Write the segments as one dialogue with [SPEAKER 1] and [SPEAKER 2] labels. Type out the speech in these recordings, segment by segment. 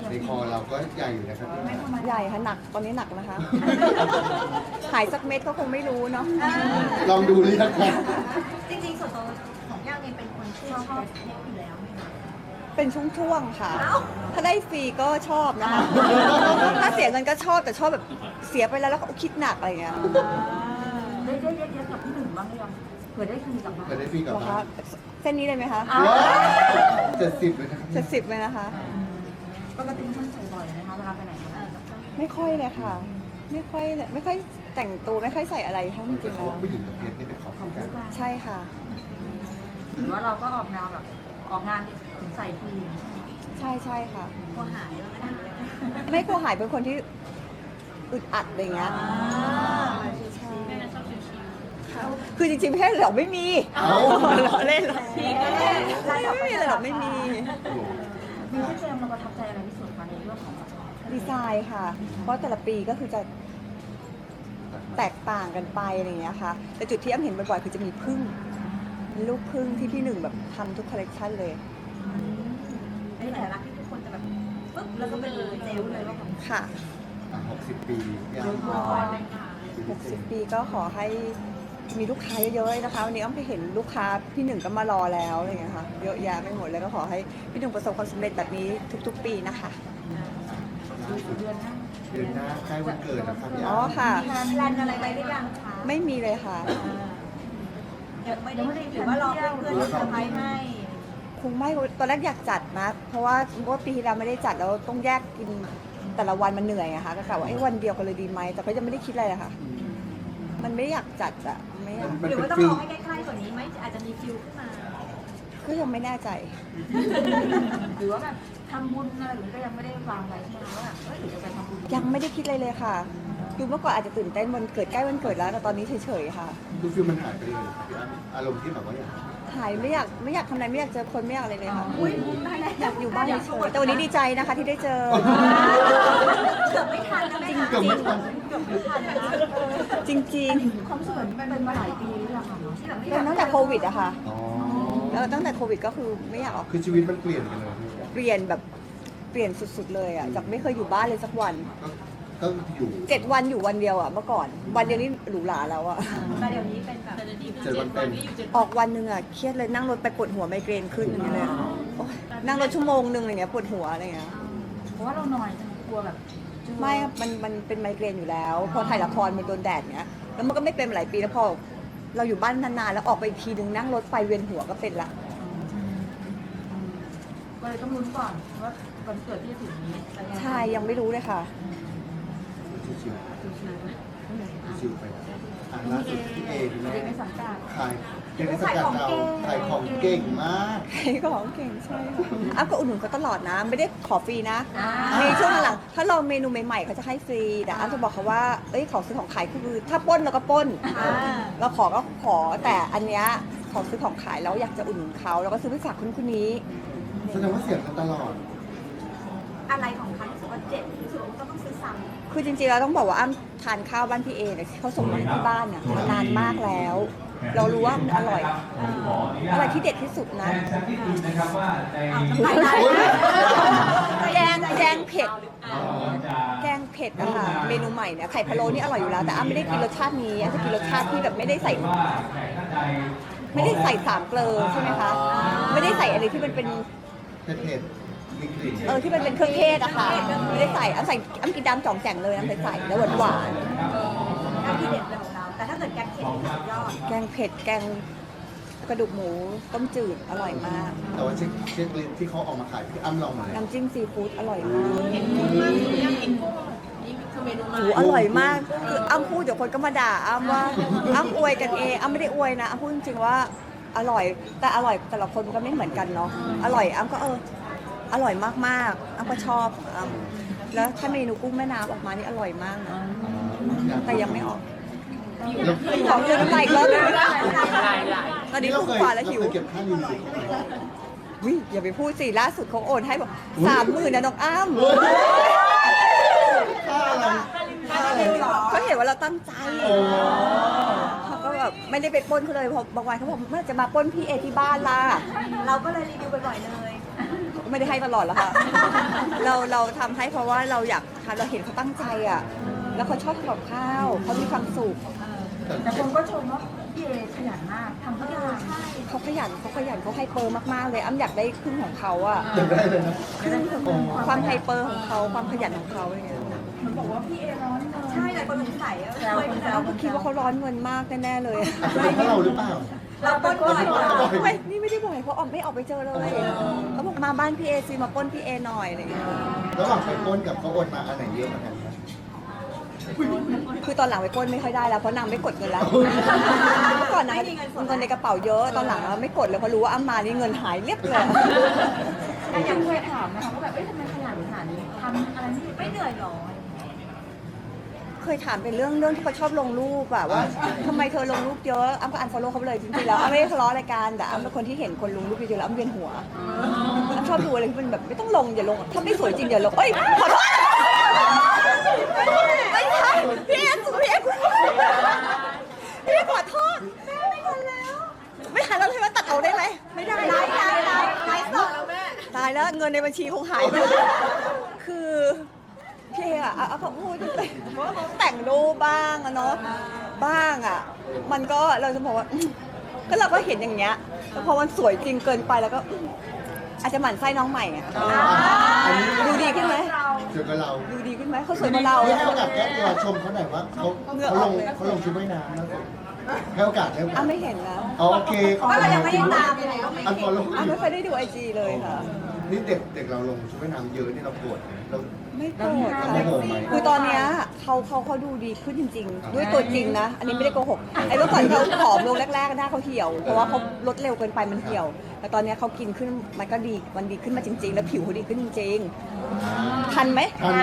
[SPEAKER 1] ในคอเราก็ใหญ่อยู่นะครับ
[SPEAKER 2] ใหญ่ค่ะหนักตอนนี้หนักนะคะ หายสักเม็ดก็คงไม่รู้เนาะ
[SPEAKER 1] ลองดูหรือยังครับ
[SPEAKER 3] จริงๆส่วนตัวของย่างเองเป็นคนที่ชอบเทคอยู่แล้วไหมคะ
[SPEAKER 2] เป็นช่วงๆค่ะ ถ้าได้ฟรีก็ชอบนะคะ ถ้าเสียเงินก็ชอบแต่ชอบแบบเสียไปแล้วแล้วก็คิดหนักอะไรอย่างเงี้ย
[SPEAKER 3] ได้เยอะๆกับพี่หนึ่งบ้างหรือยังเผื่อได้คืนกลับมา
[SPEAKER 1] เปิดได้ฟรีกับ
[SPEAKER 2] เหรอ
[SPEAKER 1] บ้า
[SPEAKER 2] คะ
[SPEAKER 1] น
[SPEAKER 2] เส้นนี้เลยไหมคะ
[SPEAKER 1] 70เลยนะครับ
[SPEAKER 2] 70เลยนะคะ
[SPEAKER 3] ปกติท่านใส่บ่อยนะคะเวลาไปไหนมาไหน
[SPEAKER 2] ไม่ค่อยเลยค่ะ ไม่ค่อยแต่งตัวไม่ค่อยใส่อะไรทั้งจ
[SPEAKER 1] แต่
[SPEAKER 2] ริงๆ
[SPEAKER 1] เขา
[SPEAKER 2] แล้ว
[SPEAKER 1] ว่าผู้หญิงกับเพชรนี่เป็นของคู่กัน
[SPEAKER 2] ใช่ค่ะ
[SPEAKER 3] หรือว่าเราก็ออกแนวแบบออกงานถึงใส่ทีม
[SPEAKER 2] ใช่ค่ะ
[SPEAKER 3] กลัวหายแล้วนะ
[SPEAKER 2] ไม่กลัวหายเป็นคนที่อึดอัดอะไรเงี้ยใช่ค่ะคือจริงๆไม่ใช่หรอกไม่มี
[SPEAKER 1] เอ้า
[SPEAKER 2] เราเล่นหรอกไม่มีเลยหรอกไม่มี
[SPEAKER 3] มีที่เจมเราประทับใจอะไรที่สุดคะในเรื่องของ
[SPEAKER 2] ดีไซน์ค่ะ เพราะแต่ละปีก็คือจะแตกต่างกันไปอะไรอย่างเงี้ยค่ะ แต่จุดที่อ้ำเห็นบ่อยๆคือจะมีผึ้งเป็นลูกผึ้งที่พี่หนึ่งแบบทำทุกคอลเลกชันเลย
[SPEAKER 3] ในแต่ละที่ทุกคนจะแบบปึ๊บแล้วก็เป็นเจลเลยว่าของ
[SPEAKER 2] ค่ะ
[SPEAKER 1] 60 ปียัง
[SPEAKER 2] 60 ปีก็ขอให้มีลูกค้าเยอะๆนะคะวันนี้อ้ำไปเห็นลูกค้าพี่หนึ่งก็มารอแล้วอะไรอย่างเงี้ยค่ะเยอะแยะไปหมดเลยก็ขอให้พี่หนึ่งประสบความสำเร็จแบบนี้ทุกๆ ปีนะคะ
[SPEAKER 3] เดือนหน้า
[SPEAKER 1] เดือนหน้าใกล้วันเกิดนะครับพี่
[SPEAKER 2] อ๋อค่ะ
[SPEAKER 3] มีแพลนอะไรไปหรือยังคะ
[SPEAKER 2] ไม่มีเลยค่ะ
[SPEAKER 3] ยังไม่ได้หรือว่ารอเพื่อนๆจะเซอร์ไพรส์ให้
[SPEAKER 2] คงไม่ตอนแรกอยากจัดนะ เพราะว่าปีที่แล้วไม่ได้จัดแล้วต้องแยกกินแต่ละวันมันเหนื่อยอะค่ะก็กะว่าวันเดียวกันเลยดีไหมแต่ก็ยังไม่ได้คิดอะไรเลยค่ะ มันไม่อยากจัดอะไม่อยาก
[SPEAKER 1] มัน
[SPEAKER 3] หรือ
[SPEAKER 1] เป็น
[SPEAKER 3] ว่าต้อง
[SPEAKER 1] ฟิ
[SPEAKER 3] ร
[SPEAKER 1] ล
[SPEAKER 3] อให้ใกล้ๆกว่านี้ไหมอาจจะมีฟิลขึ้นมา
[SPEAKER 2] ก็ยังไม่แน่ใจ
[SPEAKER 3] หรือว่าแบบทำบุญอะไรหรือก็ยังไม่ได้วางไว้ใช่ไหมว่าแบบหรือจะไปทำบุญ
[SPEAKER 2] ยังไม่ได้คิดอะไรเลยค่ะดูเมื่อก่อนอาจจะตื่นเต้นวันเกิดใกล้วันเกิดแล้วแต่ตอนนี้เฉยๆค่ะ
[SPEAKER 1] คือฟิลมันหายไปเลยครับพี่อ้ำอารมณ์ที่แบบว่าอยาก
[SPEAKER 2] หายไม่อยากทำอะไรไม่อยากเจอคนไม่อยากอะไรเลยค่ะ
[SPEAKER 3] อุ้ยได้แล้ว
[SPEAKER 2] อยากอยู่บ้านเฉยๆแต่วันนี้ดีใจนะคะที่ได้เจอ
[SPEAKER 3] เกือบไม่ทันนะแม่
[SPEAKER 1] เกือบไม่ทัน
[SPEAKER 3] เกือบไม่ทันนะ
[SPEAKER 2] จริง
[SPEAKER 3] ความสวยมันเป็นมาหลายปีแล้วค่ะที่แบบ
[SPEAKER 2] ๆ
[SPEAKER 3] ไม่
[SPEAKER 2] เป็นตั้งแต่โควิดอะค่ะ
[SPEAKER 1] อ๋อ
[SPEAKER 2] แล้วตั้งแต่โควิดก็คือไม่อยากออก
[SPEAKER 1] คือชีวิตมันเปลี่ยนกันเลยพี่
[SPEAKER 2] เปลี่ยนแบบเปลี่ยนสุดๆเลยอะจากไม่เคยอยู่บ้านเลยสักวัน
[SPEAKER 1] ก็อยู่
[SPEAKER 2] 7 วันอยู่วันเดียวอะเมื่อก่อน วันเดียวนี้หรูหราแล้วอะ
[SPEAKER 3] แต่เดี๋ยวนี้เป็นแบบ
[SPEAKER 1] 7 วันเต็ม
[SPEAKER 2] ออกวันหนึ่งอะเครียดเลยนั่งรถไปปวดหัวไมเกรนขึ้นอย่างเงี้ยเลยโอ๊ยนั่งรถชั่วโมงหนึ่งอะไรเงี้ยปวดหัวอะไรเงี้ย
[SPEAKER 3] เพราะว่าเราหน่อยกลัวแบบ
[SPEAKER 2] ไม่ครับมันเป็นไมเกรนอยู่แล้ว พอถ่ายละครมันโดนแดดเงี้ยแล้วมันก็ไม่เป็นมาหลายปีแล้วพอเราอยู่บ้านนานๆแล้วออกไปอีกทีนึงนั่งรถไฟเวียนหัวก็เป็นละ
[SPEAKER 3] ก็เลยต้องลุ้นก่อนว่าวันเกิดที่จะถึงนี้
[SPEAKER 2] ใช่ยังไม่รู้เลยค่ะ
[SPEAKER 1] ชิวๆชิวๆไปอ่ะล่าสุดพี่เอพี่แม่
[SPEAKER 3] เด็กในสังกัด
[SPEAKER 1] ขายเด็กในสังกัดเราขายของเก่งมาก
[SPEAKER 2] ใครก็ของเก่งใช่ค่ะอ้ำก็อุดหนุนเขาตลอดนะ ไม่ได้ขอฟรีนะในช่วงหลังๆถ้าลองเมนูใหม่ๆเขาจะให้ฟรีแต่อ้ำจะบอกเขาว่าเอ้ยของซื้อของขายคือถ้าปล้นเราก็ปล้นเราขอก็ขอแต่อันเนี้ยของซื้อของขายแล้วอยากจะอุดหนุนเขาแล้วก็ซื้อไปฝากคนนี้
[SPEAKER 1] แสดงว่าเสียงกันตลอด
[SPEAKER 3] อะไรของเขาที่สุดว่าเจ็บที่สุดก็ต้องซื้อซ้ำ
[SPEAKER 2] คือจริงๆเราต้องบอกว่าอ้ำทานข้าวบ้านพี่เอเนี่ยเขาส่งมาให้ที่บ้านเนี่ยมานานมากแล้ว เรารู้ว่ามันอร่อยอะไรที่เด็ดที่สุดนะ แกงเผ็ด แกงเผ็ดนะคะเมนูใหม่เนี่ยไข่พะโล้นี่อร่อยอยู่แล้วแต่อ้ำไม่ได้กินรสชาตินี้อ้ำจะกินรสชาติที่แบบไม่ได้ใส่สามเกลอใช่ไหมคะไม่ได้ใส่อะไรที่มันเป็น
[SPEAKER 1] เผ็ดๆมีกลิ่น
[SPEAKER 2] ที่มันเป็นเครื่องเทศอะค่ะไม่ได้ใส่อ้ำกินดำจ่องแจ่งเลยอ้ำใส่แล้วหวาน
[SPEAKER 3] น้ำที่เด็ดเลยของเรา แต่ถ้าเกิดแกงเผ็ดนี่สุดยอด
[SPEAKER 2] ๆแกงเผ็ดแกงกระดูกหมูต้มจืดอร่อยมาก
[SPEAKER 1] แต่ว่าเช็คลิสต์ที่เขาออกมาขายพี่อ้ำลองมาเลย
[SPEAKER 2] น้ำจิ้มซีฟู้ดอร่อยมากโอ้อร่อยมากคืออ้ำพูดเดี๋ยวคนก็มาด่าอ้ำว่าอ้ำอวยกันเองอ้ำไม่ได้อวยนะอ้ำพูดจริงๆว่าอร่อยแต่อร่อยแต่ละคนมันก็ไม่เหมือนกันเนาะอร่อยอ้ำก็อร่อยมากๆอ้ำก็ชอบอ้ำแล้วถ้าเมนูกุ้งแม่น้ำออกมานี่อร่อยมากนะแต่ยังไม่ออกของเยอะน้ำลายอีกรอบนึงตอนนี้ลูกกว่าแล้วหิว
[SPEAKER 1] เราเคยเก็บค่ายูนิต
[SPEAKER 2] วิอย่าไปพูดสิล่าสุดเขาโอนให้บอก30,000นะน้องอ้ำ
[SPEAKER 1] ค่าอะไรค่าอะไร
[SPEAKER 2] เขาเห็นว่าเราตั้งใจ
[SPEAKER 1] โอ้
[SPEAKER 2] เขาก็แบบไม่ได้ไปปล้นเขาเลยพอบางวันเขาบอกเมื่อจะมาปล้นพี่เอที่บ้านล่ะ
[SPEAKER 3] เราก็เลยรีวิวบ่อยๆเลย
[SPEAKER 2] ก็ไม่ได้ให้ตลอดแล้วค่ะ แเราทำให้เพราะว่าเราอยากทำเราเห็นเขาตั้งใจอ่ะแล้วเขาชอบทำกับข้าวเขามีความสุข
[SPEAKER 3] แต่คนก็ชมว่าพี่เอขยันมากทำทุกอย่าง
[SPEAKER 2] เขาขยันเขาไฮเปอร์มากๆเลยอ้ำอยากได้ครึ่งของเขาอ่ะ
[SPEAKER 1] จำได้เลยนะ
[SPEAKER 2] ครึ่งของความไฮเปอร์ของเขาความขยันของเขาอะไรเงี้ย
[SPEAKER 3] มันบอกว่าพี่เอร้อนเงิน
[SPEAKER 4] ใช่แต่คนสงสัยอะ
[SPEAKER 3] แซวคนแซว
[SPEAKER 2] อ้ำก็คิดว่าเขาร้อนเงินมากแน่ๆเลย
[SPEAKER 1] อาจจะเป็นเพราะเราหรือเปล่า
[SPEAKER 4] เราปล้นบ่อย
[SPEAKER 2] ไม่นี่ไม่ได้บ่อยเพราะออมไม่ออกไปเจอเลยเขาบอกมาบ้านพี่เอซีมาปล้นพี่เอหน่อยอะไรเงี้ย
[SPEAKER 1] ระหว่างไปปล้นกับเขาโอนมาอันไหนเยอะกว่ากันครับ
[SPEAKER 2] คือตอนหลังไปปล้นไม่ค่อยได้แล้วเพราะนางไม่กดเงินแล้วเมื่อก่อนนางมีเงินในกระเป๋าเยอะตอนหลังไม่กดเลยเพราะรู้ว่าอ้ำมานี่เงินหายเรียบเลย
[SPEAKER 3] แต่ยังเคยถามนะคะว่าแบบเอ้ยทำไมขยันขนาดนี้ทำอะไรไม่
[SPEAKER 4] ไม่เหนื่อยหรอ
[SPEAKER 2] เคยถามเป็นเรื่องที่เขาชอบลงรูปอะว่าทำไมเธอลงรูปเยอะอ้ำก็อันฟอลโล่เขาไปเลยจริงๆแล้วอ้ำไม่ได้ทะเลาะอะไรกันแต่อ้ำเป็นคนที่เห็นคนลงรูปเยอะๆแล้วอ้ำเวียนหัวอ้ำชอบดูอะไรที่มันแบบไม่ต้องลงอย่าลงถ้าไม่สวยจริงอย่าลงเอ้ยขอโทษไม่ใช่พี่เอขอโทษไม่ทันแล้วใช่ไหมตัดเอาได้ไหมไม่ได้
[SPEAKER 4] ไลฟ์สดแล้วแม่
[SPEAKER 2] ตายแล้วเงินในบัญชีคงหายไปแล้วคือพี่เออะเขาพูดว่าเขาแต่งรูปบ้างอะเนาะบ้างอะมันก็เราจะบอกว่าก็เราก็เห็นอย่างเงี้ยแล้วพอมันสวยจริงเกินไปแล้วก็อาจจะหมั่นไส้น้องใหม่อะ
[SPEAKER 1] อันนี้
[SPEAKER 2] ดูดีขึ้นไหม
[SPEAKER 1] เจอกับเรา
[SPEAKER 2] ดูดีขึ้นไหมเขาสวยกว่าเรา
[SPEAKER 1] ให้โอกาสแก้ตัวชมเขาหน่อยว่าเขาลงชุดว่ายน้ำนะให้โอกาส
[SPEAKER 2] อ้ำไม่เห็นนะ
[SPEAKER 1] โอเค
[SPEAKER 4] ก็เรายังไม่ได้ตามเลยก็ไม่
[SPEAKER 1] อันฟอลโล่
[SPEAKER 2] อ้ำไม่เคยได้ดูไอจีเลยค่ะ
[SPEAKER 1] นี่เด็กเราลงชุดว่ายน้ำเยอะนี่เราโกรธเรา
[SPEAKER 2] ไม่โกรธค่ะ
[SPEAKER 1] ไม่โกรธไหม
[SPEAKER 2] คือตอนเนี้ยเขาดูดีขึ้นจริง ๆ ด้วยตัวจริงนะ อันนี้ไม่ได้โกหกไอ้เมื่อก่อนเขาผอมลงแรกๆหน้าเขาเหี่ยวเพราะว่าเขาลดเร็วเกินไปมันเหี่ยว แต่ตอนเนี้ยเขากินขึ้นมันก็ดีมันดีขึ้นมาจริง ๆ แล้วผิวเขาดีขึ้นจริงๆทันไหม
[SPEAKER 1] ทัน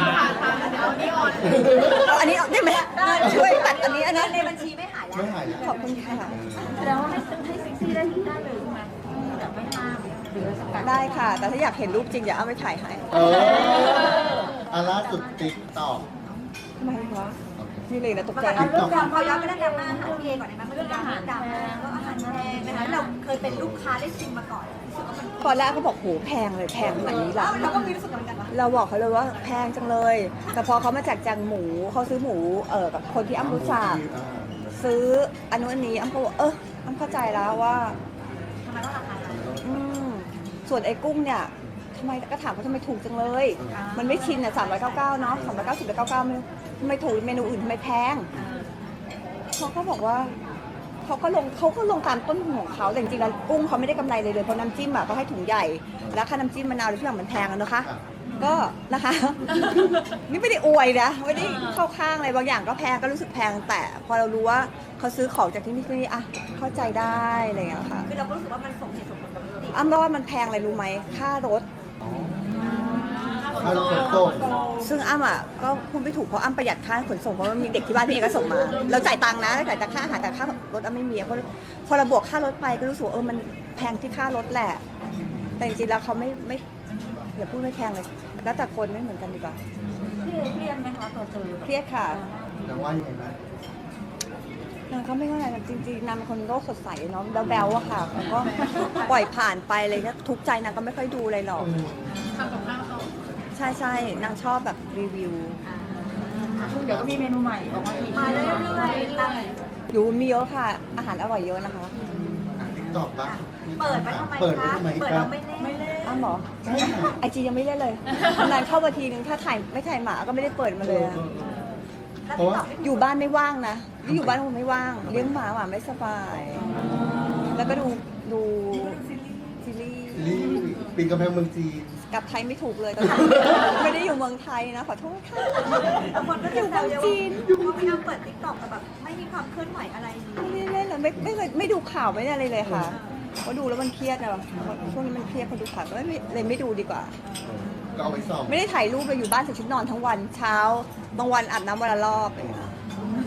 [SPEAKER 2] เอาอันนี้ได้ไหมช่วยตัดอันนี้อันนั้น
[SPEAKER 4] ในบัญชีไม่หายแล้ว
[SPEAKER 1] ไม่หายแล้ว
[SPEAKER 2] ขอบคุณค่ะ
[SPEAKER 3] แสดงว่าให้เซ็กซี่ได้เลยใช่ไหมแบบไม่ห้ามหรือสกัด
[SPEAKER 2] ได้ค่ะ แต่ถ้าอยากเห็นรูปจริงอย่าเอาไปถ่ายให้
[SPEAKER 1] อาล่าสุดติ๊กตอก
[SPEAKER 2] ทำไมวะนี่เลยนะตกใจ
[SPEAKER 4] เอาเรื่องความเขาย้อนไปตั้งแต่อาหารพี่เอก่อนได้ไหมมันเรื่องอาหารดังแล้วอาหารแพงนะคะเราเคยเป็นลูกค้าได้ชิมมาก่อนรู้สึกว่ามัน
[SPEAKER 2] ตอนแรกเขาบอกโหแพงเลยแพงขนาดนี้เหรอ
[SPEAKER 4] เราก็มีรู้สึกเหมือนกันว่า
[SPEAKER 2] เราบอกเขาเลยว่าแพงจังเลย แต่พอเขามาแจกแจงหมูเขาซื้อหมูกับคนที่อ้ำรู้จักซื้ออันนู้นอันนี้อ้ำก็บอกอ้ำเข้าใจแล้วว่า
[SPEAKER 4] ทำไมต้องราคา
[SPEAKER 2] อืมส่วนไอ้กุ้งเนี่ยทำไมก็ถามว่าทำไมถูกจังเลย มันไม่ชินอ่ะ399เนาะ390หรือ99ไม่รู้ทำไมถูกเมนูอื่นทำไมแพงเขาก็บอกว่าเขาก็ลงตามต้นทุนของเขาแต่จริงๆแล้วกุ้งเขาไม่ได้กำไรเลยเพราะน้ำจิ้มอ่ะก็ให้ถุงใหญ่แล้วค่าน้ำจิ้มมะนาวทุกอย่างมันแพงอะนะคะ ก็นะคะ นี่ไม่ได้อวยนะไม่ได้เข้าข้างอะไรบางอย่างก็แพงก็รู้สึกแพงแต่พอเรารู้ว่าเขาซื้อของจากที่นี่ที่นี่อ่ะเข้าใจได้อะไรอย่างเงี้ยค่ะ
[SPEAKER 4] คือเราก็รู้สึกว่ามันสมเหตุสมผลกับปกติ
[SPEAKER 2] อ้ำว่ามันแพงอะไรรู้ไหมค่ารถ
[SPEAKER 1] ค่ารถขนส่ง
[SPEAKER 2] ซึ่งอ้ำอ่ะก็พูดไม่ถูกเพราะอ้ำประหยัดค่าขนส่งเพราะว่ามีเด็กที่บ้านพี่เอกก็ส่งมาเราจ่ายตังค์นะจ่ายแต่ค่าอาหารแต่ค่ารถอ้ำไม่มีเพราะพอเราบวกค่ารถไปก็รู้สึกว่ามันแพงที่ค่ารถแหละ แต่จริงๆแล้วเขาไม่อย่าพูดไม่แพงเลยแล้วแต่คนไม่เหมือนกันดีกว่า
[SPEAKER 3] พี่เอเครียดไหมคะตัวเจอ
[SPEAKER 2] เครียดค่ะ
[SPEAKER 1] แต่ว่ายังไงบ้าง
[SPEAKER 2] นางก็ไม่ว่าอะไรจริงๆนางเป็นคนโลกสดใสเนาะแบ๊วๆอะค่ะแล้วก็ปล่อยผ่านไปเลยนะทุกข์ใจนางก็ไม่ค่อยดูอะไรหรอกใช่นางชอบแบบรีวิว
[SPEAKER 3] เดี๋ยวก็มีเมนูใหม่ออกมาอีก
[SPEAKER 4] มาเรื่อยๆตั้ง
[SPEAKER 2] อยู่มีเยอะค่ะ อาหารอร่อยเยอะนะคะ
[SPEAKER 1] ติ๊กตอกบ้าง
[SPEAKER 4] เปิดไว้ทำไม
[SPEAKER 1] เปิดไว้
[SPEAKER 4] คะ
[SPEAKER 1] ทำไม
[SPEAKER 4] เปิด
[SPEAKER 1] ครั
[SPEAKER 4] เรา
[SPEAKER 1] บ
[SPEAKER 4] ไม่เล่น
[SPEAKER 2] อ้าวเหรอ
[SPEAKER 1] ใช่ค่ะ
[SPEAKER 2] ไอจียังไม่เล่นเลยนานเข้ามาทีนึงถ้าไม่ถ่ายหมาก็ไม่ได้เปิดมาเลยอะ
[SPEAKER 4] แล้ว
[SPEAKER 1] เพราะว่า
[SPEAKER 4] ตอบไม่
[SPEAKER 2] อยู่บ้านไม่ว่างนะนี่อยู่บ้านคงไม่ว่าง เลี้ยงหมาไม่สบาย แล้วก็ดูซีรีส์
[SPEAKER 1] รีปีนกำแพงเมืองจีน
[SPEAKER 2] กลับไทยไม่ถูกเลยตอนนี้ไม่ได้อยู่เมืองไทยนะขอโทษค่ะ
[SPEAKER 4] บางคนก็
[SPEAKER 2] อยู่
[SPEAKER 4] แซ
[SPEAKER 2] เมื
[SPEAKER 4] ว
[SPEAKER 2] อง
[SPEAKER 4] เยอะ
[SPEAKER 2] จีน
[SPEAKER 4] ว่าพี่อ้ำเปิดติ๊กต็อกแต่แบบไม่มีความเคลื่อนไหวอะไรเลย
[SPEAKER 2] ไม่เล่นเลยไม่ดูข่าวไม่ได้อะไรเลยค่ะเพราะดูแล้วมันเครียดอะช่วงนี้มันเครียดพอดูข่าวก็เลยไม่ดูดีกว่า
[SPEAKER 1] ก็เอาไปส่อง
[SPEAKER 2] ไม่ได้ถ่ายรูปเลยอยู่บ้านใส่ชุดนอนทั้งวันเช้าบางวันอาบน้ำวันละรอบอะไรอย่างเงี้ย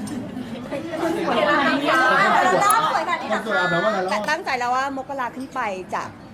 [SPEAKER 4] เราเล่าสวยแบบนี้
[SPEAKER 1] ค
[SPEAKER 4] เหร
[SPEAKER 1] น
[SPEAKER 4] อ
[SPEAKER 1] สวยอาบน้ำวันละร
[SPEAKER 2] แต่
[SPEAKER 1] อบ
[SPEAKER 2] ตั้งใจแล้วว่ามกราขึ้นไปจะ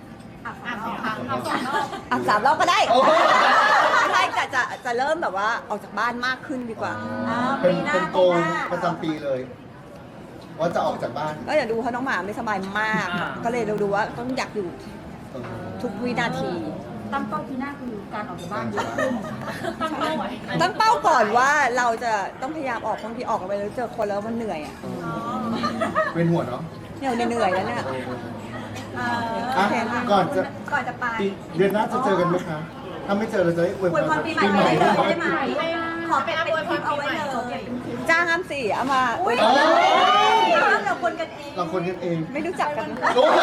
[SPEAKER 4] อ่ะ
[SPEAKER 2] 3 รอบก็ได้
[SPEAKER 1] โอ้
[SPEAKER 2] ใช่จะเริ่มแบบว่าออกจากบ้านมากขึ้นดีกว่า
[SPEAKER 1] เป็นโกงประจำปีเลย ว่าจะออกจากบ้าน
[SPEAKER 2] ก็อย่าดูเพราะน้องหมาไม่สบายมาก ก็เลยเราดูว่าต้องอยากอยู่ทุกวินาที
[SPEAKER 3] ตั้งเป้าปีหน้าคือการออกจากบ้านเยอะขึ้นตั้งเป้าไว้
[SPEAKER 2] ตั้งเป้าก่อนว่าเราจะต้องพยายามออกบางทีออกไปแล้วเจอคนแล้วมันเหนื่อยอ่ะ
[SPEAKER 1] เป็นหัวเนาะ
[SPEAKER 2] เหนื่อยแล้วเนี่ย
[SPEAKER 1] อ่ะ
[SPEAKER 2] โอเคค่ะ
[SPEAKER 1] ก่อนจะ
[SPEAKER 4] ก่อนจะไป
[SPEAKER 1] เดือนหน้าจะเจอกันไหมคะ ถ้าไม่เจอเราจะได้อวย
[SPEAKER 4] อวยพรปีใหม่ไปเลยได้ไหมขอเป็นคลิปเอาไว้เลย
[SPEAKER 2] จ้างอ้ำสิเอามา
[SPEAKER 4] อุ้ยเราคนกันเอง
[SPEAKER 1] เราคนกันเอง
[SPEAKER 2] ไม่รู้จักกัน
[SPEAKER 1] โอ้ย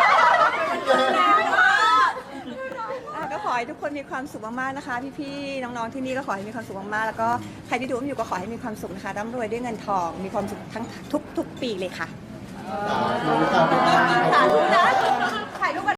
[SPEAKER 2] ก็ขอให้ทุกคนมีความสุขมากๆนะคะพี่ๆน้องๆที่นี่ก็ขอให้มีความสุขมากๆแล้วก็ใครที่ดูอยู่ก็ขอให้มีความสุขนะคะร่ำรวยด้วยเงินทองมีความสุขทั้งทุกปีเลยค่ะ
[SPEAKER 1] สาธุครับ
[SPEAKER 2] สาธุนะ
[SPEAKER 4] ถ่ายรูปกัน